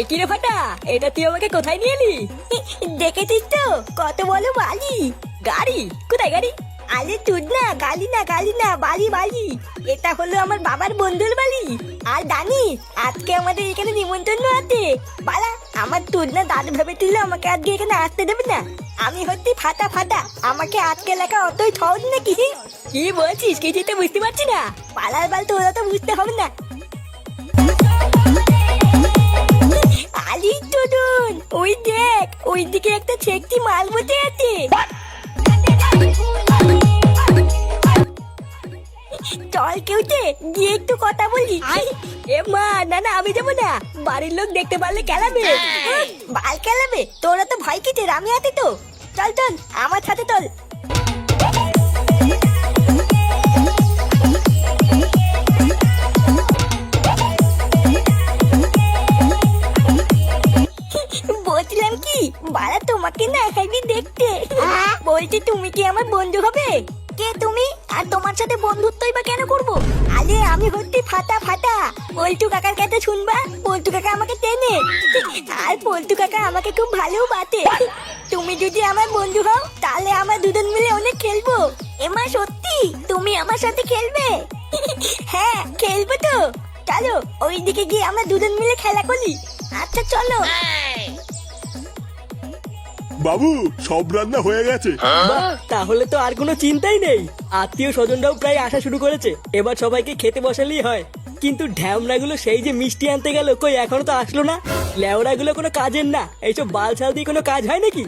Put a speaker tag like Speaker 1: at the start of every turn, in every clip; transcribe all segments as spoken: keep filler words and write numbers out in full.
Speaker 1: কি রে ফাটা, এটা তুই আমাকে কোথায় নিয়ে এলি? দেখেছিস তো কত বলো বালি। গাড়ি? কোথায় গাড়ি? আরে তুই না, গালি না গালি না, বালি বালি। এটা হলো আমার বাবার বন্ধুর বাড়ি। আর জানিস আজকে আমাদের এখানে নিমন্ত্রণ আছে। বালা, আমার তুই না দাদু ভেবেছিল আমাকে আজকে এখানে আসতে দেবে না। আমি হচ্ছি ফাটা ফাটা, আমাকে আজকে লেখা অতই সহজ নাকি? কি বলছিস, কিছুই তো বুঝতে পারছি না। পালার বাল তোরা তো বুঝতে হবে না। আলি টুডুন, ওই দেখ, ওই দিকে একটা ছেকটি মাল বসে আছে। চল কেউতে গিয়ে একটু কথা বলি। এ মা, না না আমি যাবো না, বাড়ির লোক দেখতে পারলে কেলাবে। বাল কেলাবে? তোরা তো ভয় কিসের, আমি আছি তো। চল চল আমার সাথে চল। বলছিলাম কি, বাড়া তোমাকে না এখানে দেখতে। বলছি তুমি কি আমার বন্ধু হবে? কে তুমি? আর তোমার সাথে বন্ধুত্বই বা কেন করবো? আরে আমি হচ্ছি ফাটা ফাটা, পল্টু কাকার কাছে শুনবা। পল্টু কাকা আমাকে চেনে, আর পল্টু কাকা আমাকে খুব ভালো বাতে। তুমি যদি আমার বন্ধু হও তাহলে আমরা দুজন মিলে অনেক খেলবো। এমা সত্যি তুমি আমার সাথে খেলবে? হ্যাঁ খেলবো তো। চলো ওইদিকে গিয়ে আমরা দুজন মিলে খেলা করি। আচ্ছা চলো।
Speaker 2: বাবু, সব রান্না হয়ে গেছে।
Speaker 3: বাহ, তাহলে তো আর কোনো চিন্তাই নেই। আত্মীয় স্বজনরাও প্রায় আসা শুরু করেছে, এবার সবাইকে খেতে বসালেই হয়। কিন্তু ঢ্যামড়াগুলো সেই যে মিষ্টি আনতে গেল, কই এখনো তো আসলো না। লেওড়াগুলো কোনো কাজের না, এইসব বালছাল দিয়ে কোনো কাজ হয় নাকি?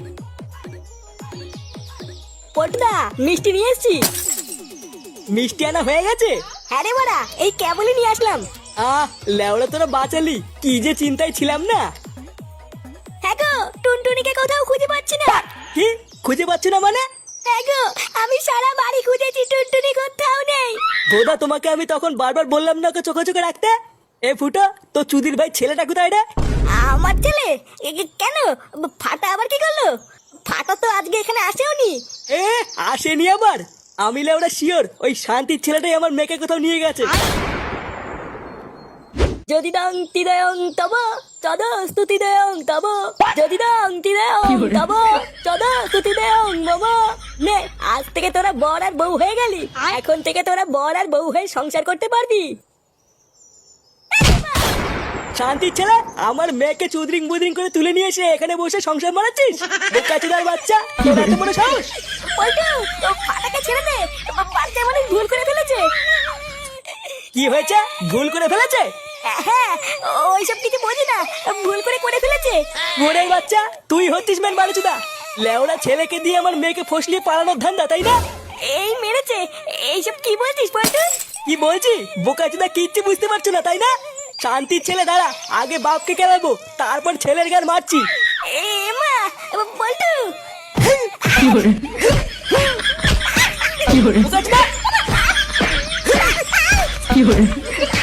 Speaker 1: পটদা, মিষ্টি নিয়ে এসছি।
Speaker 3: মিষ্টি আনা হয়ে গেছে?
Speaker 1: হ্যাঁ রে বাড়া, এই কেবলই নিয়ে আসলাম।
Speaker 3: আহ, লেওড়া তোরা বাঁচালি, কি যে চিন্তায় ছিলাম না।
Speaker 1: হ্যাঁ গো, টুনটুনিকে কোথাও খুঁজে পাচ্ছি না।
Speaker 3: কি খুঁজে পাচ্ছি না মানে?
Speaker 1: হ্যাঁ গো, আমি সারা বাড়ি খুঁজেছি, টুনটুনি কোথাও নেই।
Speaker 3: বোধা, তোমাকে আমি তখন বারবার বললাম না ওকে চোখে চোখে রাখতে। এ ফুটো, তো চুদির ভাই ছেলেটা কোথায় রে?
Speaker 1: আমার ছেলে? এ কি- কেন? ফাটা আবার কি করলো? ফাটা তো আজকে এখানে আসেওনি।
Speaker 3: এ আসেনি আবার? আমি লেওড়া শিওর ওই শান্তির ছেলেটাই আমার মেয়েকে কোথাও নিয়ে গেছে।
Speaker 1: যদি দং তিদয়ং তব তদ স্তুতি দেয়ং তব, যদি দং তিদয়ং তব তদ স্তুতি দেয়ং মম। নে, আজ থেকে তোরা বর আর বউ হয়ে গেলি। এখন থেকে তোরা বর আর বউ হয়ে সংসার করতে পারবি।
Speaker 3: শান্তির ছেলে, আমার মেয়েকে চুদরিং বুদরিং করে তুলে নিয়ে এসে এখানে বসে সংসার মারাচ্ছিস? বোকাচোদার বাচ্চা, তোর এত বড় সাহস!
Speaker 1: পল্টু, ও ফাটাকে ছেড়ে দে, বাচ্চা মানে ভুল করে ফেলেছে।
Speaker 3: কি হয়েছে? ভুল করে ফেলেছে?
Speaker 1: হ্যাঁ, ওইসব কিছু বোঝি না, ভুল করে করে ফেলেছে।
Speaker 3: মোড়ের বাচ্চা, তুই হচ্ছিস মেন বারুচুদা। লেওড়া ছেলেকে দিয়ে আমার মেয়েকে ফসলিয়ে পালানোর ধান্দা, তাই না?
Speaker 1: এই মেরেছে, এইসব কি বলছিস পল্টু?
Speaker 3: কি বলছি? বোকাচোদা কিচ্ছু বুঝতে পারছো না, তাই না? শান্তির ছেলে, দাঁড়া, আগে বাপকে কেলাবো, তারপর ছেলের গান মারছি।
Speaker 1: এ মা, পল্টু।
Speaker 3: বোকাচোদা!